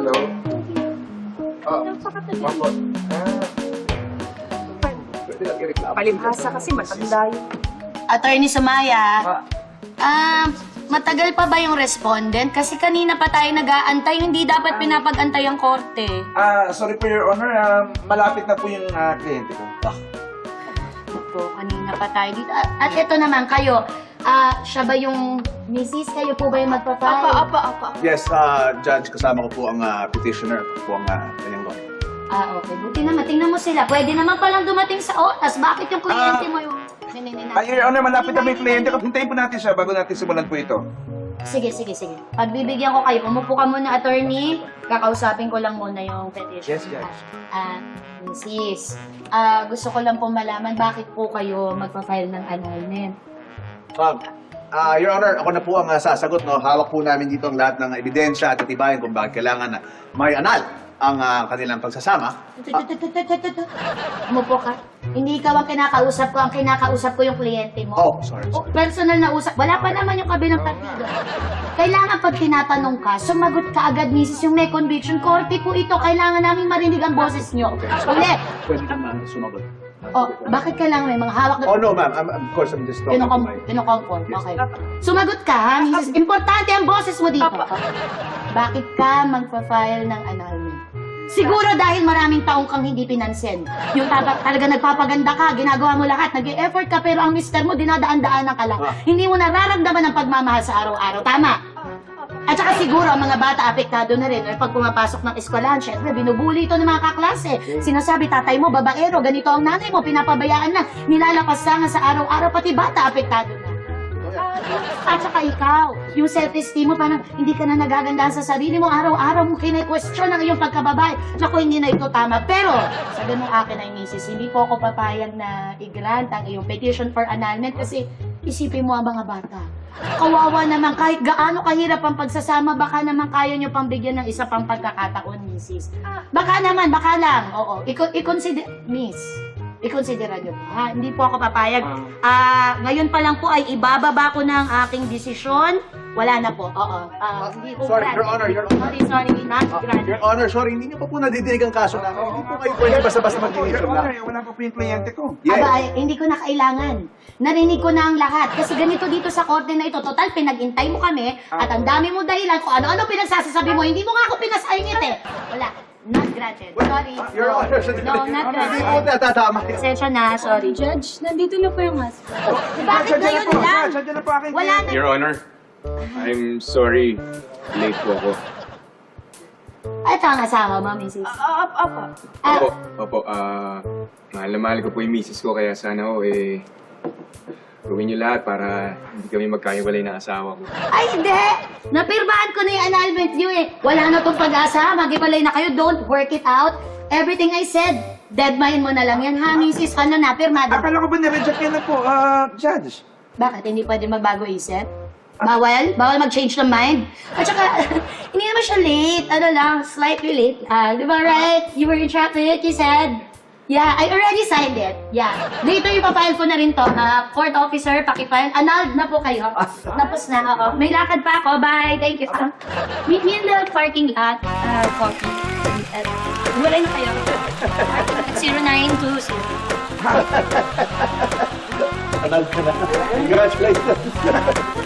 Hello? Opo. Pwede lang i-reklamo. Palibhasa kasi matanda yun. Attorney Sumaya, matagal pa ba yung respondent? Kasi kanina pa tayo nag-aantay, hindi dapat pinapag-antay ang korte. Sorry po, Your Honor. Malapit na po yung kliyente ko. Ito, kanina pa tayo dito. At ito naman, kayo, siya ba yung misis? Kayo po ba yung magpapay? Apa. Yes, Judge, kasama ko po ang petitioner. Ako po ang kanyang lawyer. Okay. Buti naman. Tingnan mo sila. Pwede naman palang dumating sa oras. Bakit yung kliyente mo yung... Your Honor, malapit na may kliyente ko. Hintayin po natin siya bago natin simulan po ito. Sige. Pagbibigyan ko kayo, umupo ka muna, attorney. Kakausapin ko lang muna yung petition. Yes, Judge. Mrs. Gusto ko lang po malaman bakit po kayo magpa-file ng annulment. Your Honor, ako na po ang sasagot. No? Hawak po namin dito ang lahat ng ebidensya at atibayan kung bakit kailangan na may anal ang kanilang pagsasama. Umupo ka. Hindi ikaw ang kinakausap ko yung kliyente mo. Oh, sorry. Personal na usap. Wala pa naman yung kabilang partido. Kailangan pag tinatanong ka, sumagot ka agad, misis, yung may conviction. Korte po ito, kailangan namin marinig ang boses nyo. Ulit. Pwede naman sumagot. Bakit kailangan may mga hawak na... Oh, no, ma'am. Of course, I'm just talking to my... Kinukompon. Okay. Sumagot ka, ha, misis. Importante ang boses mo dito. Bakit ka magpa-file ng annulment? Siguro dahil maraming taong kang hindi pinansin. Yung talaga nagpapaganda ka, ginagawa mo lahat, nag-e-effort ka, pero ang mister mo, dinadaan-daanan ka lang. Hindi mo nararamdaman ang pagmamahal sa araw-araw. Tama? At saka siguro ang mga bata apektado na rin. Pag pumapasok ng eskwelahan, syempre, binubuli ito ng mga kaklase. Sinasabi, tatay mo, babaero, ganito ang nanay mo, pinapabayaan na, nilalapas nga sa araw-araw, pati bata apektado na. At saka ikaw, yung self-esteem mo, parang hindi ka na nagagandahan sa sarili mo, araw-araw mo kine-question ang iyong pagkababae. Naku, hindi na ito tama. Pero, sa ganung akin ay misis, hindi po ako papayag na i-grant ang iyong petition for annulment kasi isipin mo ang mga bata. Kawawa naman, kahit gaano kahirap ang pagsasama, baka naman kaya nyo pang bigyan ng isa pang pagkakataon, misis. Baka naman, baka lang. Oo, i-consider, miss. I-considera nyo po, ha? Hindi po ako papayag. Ngayon pa lang po ay ibababa ko ng aking desisyon. Wala na po. Oo. Hindi po Sorry, granted. Your Honor, Your Sorry, not granted. Your Honor, sorry, hindi niyo pa po nadidinig ang kaso namin. Hindi po kayo pwede basta-basta Your mag-decision Honor, lang. wala pa po yung kliyente ko. Aba, hindi ko na kailangan. Narinig ko na ang lahat. Kasi ganito dito sa korte na ito. Total, pinag-intay mo kami at ang dami mo dahilan kung ano-ano pinagsasasabi mo. Hindi mo nga ako pinasayangit eh. Wala. Not granted. Sorry. Your Honor, No, not hindi po granted. natatama. Pasensya na. Sorry. Judge, nandito na po yung husband. Bakit ngayon lang? Sadya na po aking Wala na. Your Honor, I'm sorry. Late po ako. Ito ang asawa mo, Mrs. Opo, mahal na mahal ko po yung misis ko, kaya sana gawin niyo lahat para hindi kami magkahiwalay ng asawa ko. Ay, hindi! Napirmahan ko na yung annulment niyo eh. Wala na tong pag-asa. Maghiwalay na kayo. Don't work it out. Everything I said, deadline mo na lang yan, ha, Mrs. Ano na, pirmado. Akala ko ba na-reject yan na po, Judge? Bakit? Hindi pwede magbago isip? Bawal? Bawal mag-change ng mind? At saka, hindi naman siya late. Ano lang, slightly late. Di ba right? You were interrupted, you said. Yeah, I already signed it. Yeah. Later, ipapile ko na rin to. Court officer, pakifile. Annulled na po kayo. Tapos na, oo. May lakad pa ako. Bye. Thank you. Meet me in the parking lot. Coffee. Wala na kayo. 0920. Anal ka na. Congratulations.